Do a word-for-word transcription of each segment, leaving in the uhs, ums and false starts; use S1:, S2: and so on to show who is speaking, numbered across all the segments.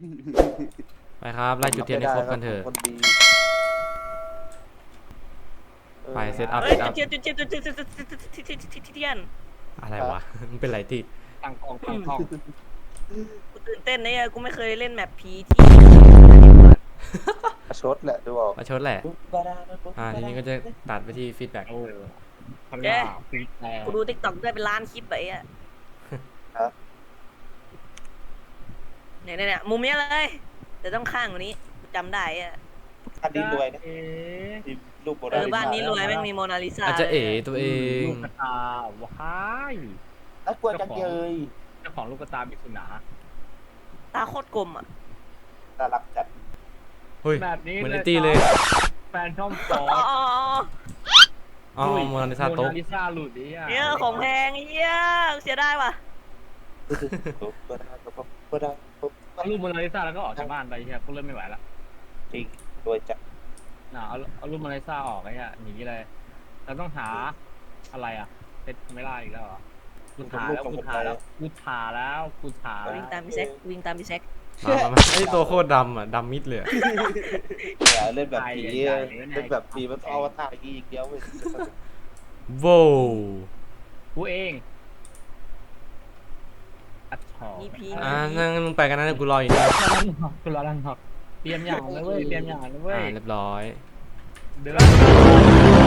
S1: ไปครับไล่จุดเทียนให้ครบกันเถอะไปเซตอัพ
S2: เฮ้
S1: เซ
S2: ย
S1: ตอัพ
S2: จุดเทียนจุดเทียนจุดเทียนจุดเทียนจุดเทียน
S1: อะไรวะมันเป็นไรที่
S3: ตั้งกองตั้งกอง
S2: กูตื่นเต้นเนี่ยกูไม่เคยเล่นแมปผีที่
S4: ชดแหละดูออก
S1: มาชดแหละอ่าทีนี้ก็จะตัดไปที่ฟีดแบ็ก
S3: โอ้พลังฟีดแรง
S2: กูดูติ๊กต็อกด้วยเป็นล้านคลิปไปอ่ะเนี่ยเนี่ยมุมนี้เลยแต่ต้องข้างกว่านี้จำได้อ่ะ
S4: บ้านนี้รวยนะลูกโบ
S2: เอ
S4: ราณ
S2: อบ้านนี้รวยแม่งมีโมนาลิซา
S1: อาจจะเอ๋ตัวเอง
S3: ลูกตาว้าย
S4: น่ากลัวจังเลย
S3: เจ้าของลูกตาบิสุนา
S2: ตาโคตรกลมอ่ะ
S4: น่ารักจัด
S1: เฮ้ย
S3: แบบนี้
S1: เหมือนไอตีเลย
S3: แฟนช่องสอง
S2: อ๋อ
S1: อ๋อโมนาลิซาโต๊ะ
S3: โมนาลิซาหลุดดิอ่ะ
S2: เนี่ยของแพงเยี่ยเสียได้ว่ะ
S4: ปุ๊บก็ได้ปุ๊บก็ได้ปุ๊บ
S3: เอารูปโมนาลิซาแล้วก็ออกจากบ้านไปเฮียกูเริ่มไม่ไหวละ
S4: จริงรวยจัด
S3: น่ะเอาเอารูปโมนาลิซาออกไอ้เหี้ยหนีเลยเราต้องหาอะไรอ่ะเพชรไม่ได้อีกแล้วเหรอกูถ่าแล้วกูถ่าแล้วกูถ่าแล้วกูถ่าแล้ว
S2: วิ่งตามพี่แซกวิ่งตามพี่แซก
S1: มามามาไอตัวโคตรดำอ่ะดำมิดเลย
S4: อย่าเล่นแบบผีเล่นแบบผีมันเอาวตารอีกเดียวเว้ย
S1: โว้
S3: กูเองอัดถอ
S2: มีผี
S1: อ่านั่งมึงไปกันนะกูรออยู่นี่
S3: กูรอรังหักเตรียมอย่างนะเว้ยเตรียมอย่างนะเว้
S1: อ่าย เรียบร้อย
S3: เดือด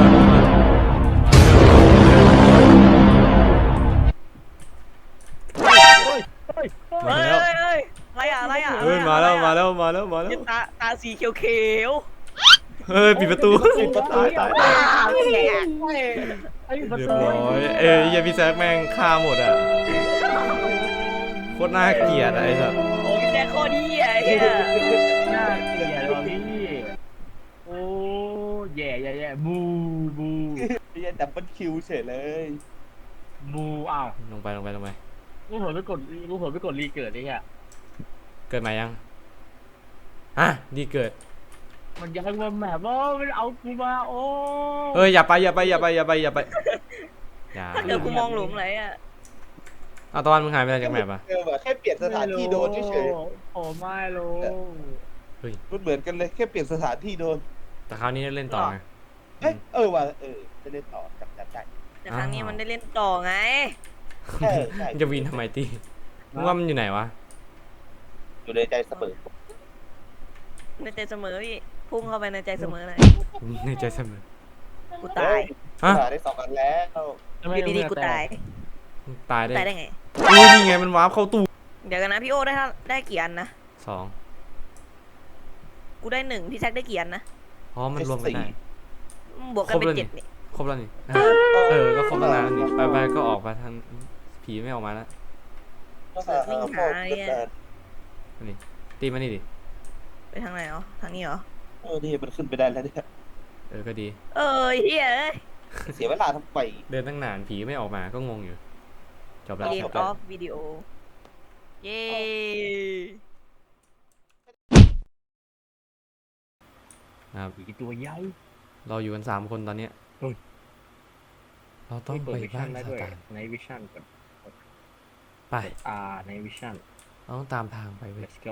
S1: มา
S2: เฮ้ย
S1: แล้ว
S2: เฮ้ยเฮ้ยอะไรอ่ะอะไรอ่ะ
S1: เฮ้ยมาแล้วมาแล้วมาแล้วมาแล้ว
S2: ตาตาสีเขียวเขียว
S1: เฮ้ยปิดประตู
S4: ปิดประตู
S1: ตายตาย
S3: ไอ้ประ
S1: เรียบ
S3: ตู
S1: ร้อยเอ้ยยาพี่แซกแม่งฆ่าหมดอ่ะโคตรน่าเกลียดอะไอ้สัส
S2: โอ้ยแจ็คโคดีอ่ะไอ้เหี้ย
S3: น่าเกลียดว่ะพี่โอ้แย่แย่แย่บูบู
S4: พี่จะดับเบิลคิวเฉยเลย
S3: บูอ้าว
S1: ลงไปลงไปลงไป
S3: กูเผลอไปกดกูเผลอไปกดรีเกิดไอ้เหี้ย
S1: เกิดมายังอ่ะดีเกิด
S3: มันยังมาแบบว่ามันเอากูมาโอ้
S1: เอ้ยอย่าไปอย่าไปอย่าไปอย่าไปอย่าไปอย่า
S2: ถ้าเกิดกูมองหลุมอะไรอ่ะ
S1: เอาตอนมึงหายไปจากแมปอ่ะ
S4: เออแบบแค่เปลี่ยนสถานที่โดนเฉย
S3: โอ้ไม่รู้
S4: ๆมันเหมือนกันเลยแค่เปลี่ยนสถานที่โดน
S1: แต่คราวนี้เล่นต่อไง
S4: เอ้ยเออว่ะเออจะเล่นต่อจับจับใจ
S2: แต่ครั้งนี้มันได้เล่นต่อไง
S4: ใช่ใช่
S1: มันจะวินทำไมตีมึงว่ามันอยู่ไหนวะ
S4: อยู่ในใจเสมอ
S2: ในใจเสมอพี่พุ่งเข้าไปในใจเสมอเลย
S1: ในใจเสมอ
S2: กูตาย
S1: ฮะ
S4: หาได้สองอันแล้ว
S2: อยู่ดีๆกูตาย
S1: ตายได้
S2: ตายได้ไง
S1: อุ้ยนี่ไงมันวาร์ปเข้าตู้
S2: เดี๋ยวกันนะพี่โอได้เท่าได้กี่อันนะ
S1: สอง
S2: กูได้หนึ่งพี่แซกได้กี่อันนะ
S1: อ๋อมันรวมกันได้
S2: บวกกันเป็น
S1: ครบแล้วนี่
S2: เจ็ดนี่
S1: ครบแล้วนี่เออก็ครบตั้งนานแล้วนี่ไปไปก็ออกมาทางผีไม่ออกมาแล้ว
S2: วิ่งหาเนี่ย
S1: นี่ตีมานี่ดิ
S2: ไปทางไหนอ๋อทางนี้เหรอ
S4: เออนี่มันขึ้นไปได้แล้วเนี่ย
S1: เออก็ดี
S2: เอ้ยเฮ้ย
S4: เสียเวลาทำไม
S1: เดินตั้งนานผีไม่ออกมาก็งงอยู่จบแล้ว
S2: เกม
S1: จบ
S2: อ
S1: แล้ว
S2: อฟวิดีโอเย้
S1: นะครับ
S3: ผีตัวใหญ่
S1: เราอยู่กันสามคนตอนเนี้ย
S3: เฮ้ย
S1: เราต้องไปบ้าน
S3: ได้
S1: ซา
S3: ด้วย
S1: ตาน
S3: ในวิชั่นก่อน
S1: ไป
S3: อ่าในวิชั่น
S1: เราต้องตามทางไปเว้ย
S3: let's go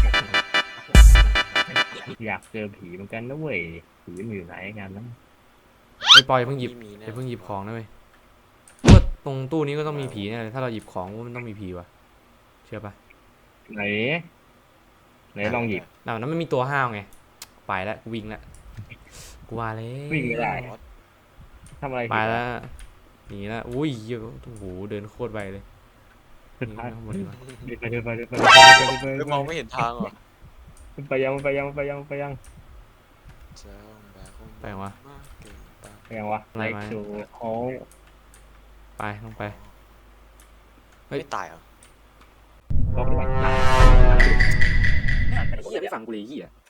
S3: อยากเจอผีเหมือนกันนะเว้ยผีมันอยู่ไหนกันนะ
S1: ไปปล่อยเพิ่งหยิบไปเพิ่งหยิบของนะเว้ยว่าตรงตู้นี้ก็ต้องมีผีแน่เลยถ้าเราหยิบของว่ามันต้องมีผีวะเชื่อปะ
S3: ไหนไหนลองหยิบ
S1: น่ะนั้นมันมีตัวห้าวไงไปแล้วกูวิ่งแล้วกูว่าเลย
S3: วิ่งไม่ได้ทำอะไร
S1: ไปแล้วหนีแล้วอุ้ยเหี้ยโอ้โหเดินโคตรไวเลยหนีไปข้างบนดีกว่า
S3: ไปเดินไปเดินไปเดินไปเดินไป
S5: ไม่มองไม่เห็นทางเหรอ
S3: ไปยังไปยังไปยังไปยัง
S1: ไปวะ
S3: ไปยังวะ
S1: อะไร
S3: ไล
S1: มา
S3: ค์ชูโอ้
S1: ไปลงไป
S5: ไม่ตายเหรอ
S3: บอกเลย
S1: เหี้ยไม่ฟังกูเลยเหี้ย